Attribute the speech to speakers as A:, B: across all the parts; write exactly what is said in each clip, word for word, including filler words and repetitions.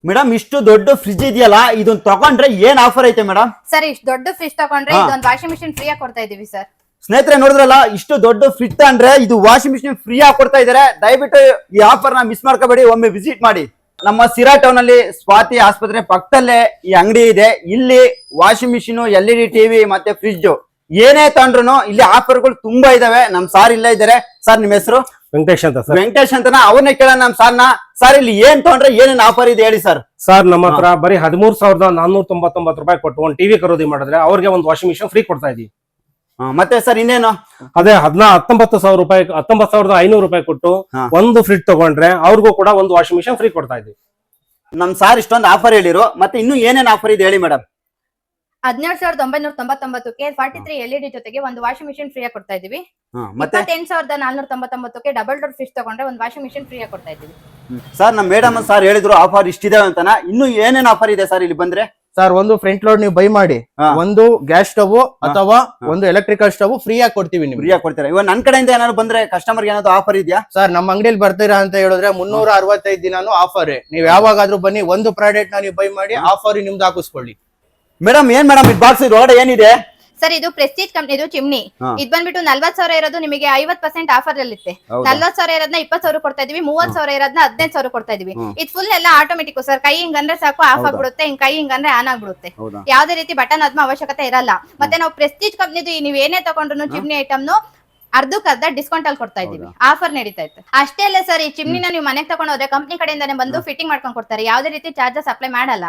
A: Madam ಇಷ್ಟು ದೊಡ್ಡ fridge ಇದೆಯಲ್ಲ ಇದನ್ನ ತಗೊಂಡ್ರೆ ಏನ್ ಆಫರ್ ಐತೆ ಮೇಡಮ್?
B: ಸರ್ ಇಷ್ಟು ದೊಡ್ಡ ಫ್ರಿಜ್ ತಗೊಂಡ್ರೆ ಇದೊಂದು ವಾಷಿಂಗ್ ಮಿಷಿನ್ ಫ್ರೀ ಆಗಿ ಕೊಡ್ತಾ ಇದೀವಿ ಸರ್.
A: ಸ್ನೇಹಿತರೆ ನೋಡಿದ್ರಲ್ಲ, ಇಷ್ಟು ದೊಡ್ಡ ಫ್ರಿಜ್ ತಗೊಂಡ್ರೆ ಇದು ವಾಷಿಂಗ್ ಮಿಷಿನ್ ಫ್ರೀ ಆಗಿ ಕೊಡ್ತಾ ಇದಾರೆ. ದಯವಿಟ್ಟು ಈ ಆಫರ್ ನ ಮಿಸ್ ಮಾಡ್ಕೋಬೇಡಿ, ಒಮ್ಮೆ ವಿಸಿಟ್ ಮಾಡಿ. ನಮ್ಮ ಸಿರಾ ಟೌನ್ ಅಲ್ಲಿ ಸ್ವಾತಿ ಆಸ್ಪತ್ರೆ ಪಕ್ಕದಲ್ಲೇ ಈ ಅಂಗಡಿ ಇದೆ. ಇಲ್ಲಿ washing machine, L E D TV ಮತ್ತೆ ಫ್ರಿಜ್ ಏನೇ ತಗೊಂಡ್ರು ಇಲ್ಲಿ ಆಫರ್ಗಳು ತುಂಬಾ ಇದಾವೆ. ನಮ್ ಸಾರ್ ಇಲ್ಲೇ ಇದಾರೆ. ಸರ್ ನಿಮ್ ಹೆಸರು?
C: ವೆಂಕಟೇಶ್ ಅಂತ ಸರ್.
A: ವೆಂಕಟೇಶ್ ಅಂತನ, ಅವ್ರನ್ನೇ ಕೇಳೋಣ ನಮ್ ಸಾರ್ನ. ಸರ್ ಇಲ್ಲಿ ಏನ್ ತಗೊಂಡ್ರೆ ಏನೇನ್ ಆಫರ್ ಇದೆ ಹೇಳಿ ಸರ್.
C: ಸರ್ ನಮ್ಮ ಹತ್ರ ಬರೀ ಹದಿಮೂರ್ ಸಾವಿರದ ನಾನ್ನೂರ ತೊಂಬತ್ತೊಂಬತ್ತು ರೂಪಾಯಿ ಕೊಟ್ಟು ಒಂದು ಟಿವಿ ಖರೀದಿ ಮಾಡಿದ್ರೆ ಅವ್ರಿಗೆ ಒಂದು ವಾಷಿಂಗ್ ಮಿಷಿನ್ ಫ್ರೀ ಕೊಡ್ತಾ ಇದೀವಿ.
A: ಮತ್ತೆ ಸರ್ ಇನ್ನೇನು?
C: ಅದೇ ಹದಿನಾ ಹತ್ತೊಂಬತ್ತು ಸಾವಿರ ರೂಪಾಯಿ ಹತ್ತೊಂಬತ್ತು ಸಾವಿರದ ಐನೂರು ರೂಪಾಯಿ ಕೊಟ್ಟು ಒಂದು ಫ್ರಿಜ್ ತಗೊಂಡ್ರೆ ಅವ್ರಿಗೂ ಕೂಡ ಒಂದು ವಾಷಿಂಗ್ ಮಿಷಿನ್ ಫ್ರೀ ಕೊಡ್ತಾ ಇದೀವಿ.
A: ನಮ್ ಸಾರ್ ಇಷ್ಟೊಂದು ಆಫರ್ ಹೇಳಿರು, ಮತ್ತೆ ಇನ್ನು ಏನೇನ್ ಆಫರ್ ಇದೆ ಹೇಳಿ ಮೇಡಮ್.
B: ಹದಿನೇಳು ಸಾವಿರದ ಒಂಬೈನೂರ ತೊಂಬತ್ತೊಂಬತ್ತಕ್ಕೆ forty three L E D ಜೊತೆಗೆ ಒಂದು ವಾಷಿಂಗ್ ಮಿಷಿನ್ ಫ್ರೀ ಆಗಿ ಕೊಡ್ತಾ ಇದೀವಿ. ಇಪ್ಪತ್ತೆಂಟು ಸಾವಿರದ ನಾಲ್ನೂರ ತೊಂಬತ್ತೊಂಬತ್ತಕ್ಕೆ ಡಬಲ್ ಡೋರ್ ಫ್ರಿಜ್ ತಗೊಂಡ್ರೆ ಒಂದು ವಾಷಿಂಗ್ ಮಿಷಿನ್ ಫ್ರೀ ಆಗಿ ಕೊಡ್ತಾ ಇದೀವಿ.
A: ಸರ್ ನಮ್ ಮೇಡಮ್ ಸಾರ್ ಹೇಳಿದ್ರು ಆಫರ್ ಇಷ್ಟಿದೆ ಅಂತಾನ. ಇನ್ನು ಏನೇನ್ ಆಫರ್ ಇದೆ ಸರ್ ಇಲ್ಲಿ ಬಂದ್ರೆ?
D: ಸರ್ ಒಂದು ಫ್ರಂಟ್ ಲೋಡ್ ನೀವು ಬೈ ಮಾಡಿ ಒಂದು ಗ್ಯಾಸ್ ಸ್ಟವ್ ಅಥವಾ ಒಂದು ಎಲೆಕ್ಟ್ರಿಕಲ್ ಸ್ಟವ್ ಫ್ರೀ ಆಗಿ ಕೊಡ್ತೀವಿ. ನೀವು
A: ಫ್ರೀ ಆಗಿ ಕೊಡ್ತೀರಾ? ಇವಾಗ ನನ್ ಕಡೆಯಿಂದ ಏನಾದ್ರು ಬಂದ್ರೆ ಕಸ್ಟಮರ್ ಏನಾದ್ರು ಆಫರ್ ಇದೆಯಾ
D: ಸರ್? ನಮ್ಮ ಅಂಗಡಿಯಲ್ಲಿ ಬರ್ತೀರಾ ಅಂತ ಹೇಳಿದ್ರೆ ಮುನ್ನೂರ ಅರವತ್ತೈದು ದಿನಾನು ಆಫರ್. ನೀವ್ ಯಾವಾಗಾದ್ರೂ ಬನ್ನಿ, ಒಂದು ಪ್ರಾಡಕ್ಟ್ ನ ನೀವು ಬೈ ಮಾಡಿ ಆಫರ್ ನಿಮ್ದು ಹಾಕಿಸ್ಕೊಳ್ಳಿ.
A: ಮೇಡಮ್ ಏನ್ ಮೇಡಮ್ ಇದು ಬಾಕ್ಸ್ ಒಳಗಡೆ ಏನಿದೆ?
B: ಸರ್ ಇದು ಪ್ರೆಸ್ಟೀಜ್ ಕಂಪ್ನಿದು ಚಿಮ್ನಿ. ಇದು ಬಂದ್ಬಿಟ್ಟು ನಲ್ವತ್ ಸಾವಿರ ಇರೋದು ನಿಮಗೆ ಐವತ್ ಪರ್ಸೆಂಟ್ ಆಫರ್ ಅಲ್ಲಿ ಇರುತ್ತೆ. ನಲ್ವತ್ ಸಾವಿರ ಇರೋದನ್ನ ಇಪ್ಪತ್ ಸಾವಿರ ಕೊಡ್ತಾ ಇದೀವಿ. ಮೂವತ್ ಸಾವಿರ ಇರೋದನ್ನ ಹದಿನೈದು ಸಾವಿರ ಕೊಡ್ತಾ ಇದೀವಿ. ಇದು ಫುಲ್ ಎಲ್ಲ ಆಟೋಮೆಟಿಕ್ ಸರ್. ಕೈ ಹಿಂಗ್ ಅಂದ್ರೆ ಸಾಕು ಆಫ್ ಆಗ್ಬಿಡುತ್ತೆ, ಹಿಂಗ್ ಕೈ ಹಿಂಗ್ ಅಂದ್ರೆ ಆನ್ ಆಗ್ಬಿಡುತ್ತೆ. ಯಾವ್ದೇ ರೀತಿ ಬಟನ್ ಅದ್ಮ ಅವಶ್ಯಕತೆ ಇರಲ್ಲ. ಮತ್ತೆ ನಾವು ಪ್ರೆಸ್ಟೀಜ್ ಕಂಪ್ನಿದು ನೀವ್ ಏನೇ ತಗೊಂಡ್ರು ಚಿಮ್ನಿ ಐಟಮ್ ನು ಅರ್ಧಕ್ಕರ್ಧ ಡಿಸ್ಕೌಂಟ್ ಅಲ್ಲಿ ಕೊಡ್ತಾ ಇದೀವಿ. ಆಫರ್ ನಡೀತಾ ಇತ್ತು. ಅಷ್ಟೇ ಅಲ್ಲ ಸರ್, ಈ ಚಿಮ್ನಿನ ನೀವು ಮನೆಗೆ ತಗೊಂಡ್ ಹೋದ್ರೆ ಕಂಪ್ನಿ ಕಡೆಯಿಂದಾನೆ ಬಂದು ಫಿಟ್ಟಿಂಗ್ ಮಾಡ್ಕೊಂಡ್ ಕೊಡ್ತಾರೆ. ಯಾವ್ದೇ ರೀತಿ ಚಾರ್ಜಸ್ ಅಪ್ಲೈ ಮಾಡಲ್ಲ.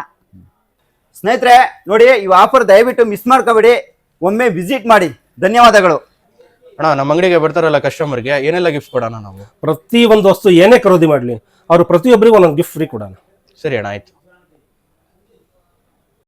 A: ಸ್ನೇಹಿತರೆ ನೋಡಿ, ಈ ಆಫರ್ ದಯವಿಟ್ಟು ಮಿಸ್ ಮಾಡ್ಕೋಬೇಡಿ, ಒಮ್ಮೆ ವಿಸಿಟ್ ಮಾಡಿ. ಧನ್ಯವಾದಗಳು
D: ಅಣ್ಣ. ನಮ್ಮ ಅಂಗಡಿಗೆ ಬರ್ತಾರಲ್ಲ ಕಸ್ಟಮರ್ಗೆ ಏನೆಲ್ಲ ಗಿಫ್ಟ್ ಕೊಡೋಣ ನಾವು?
C: ಪ್ರತಿ ಒಂದು ವಸ್ತು ಏನೇ ಖರೀದಿ ಮಾಡ್ಲಿ ಅವ್ರು ಪ್ರತಿಯೊಬ್ಬರಿಗೂ ಒಂದೊಂದು ಗಿಫ್ಟ್ ಫ್ರೀ ಕೊಡೋಣ.
D: ಸರಿ ಅಣ್ಣ, ಆಯ್ತು.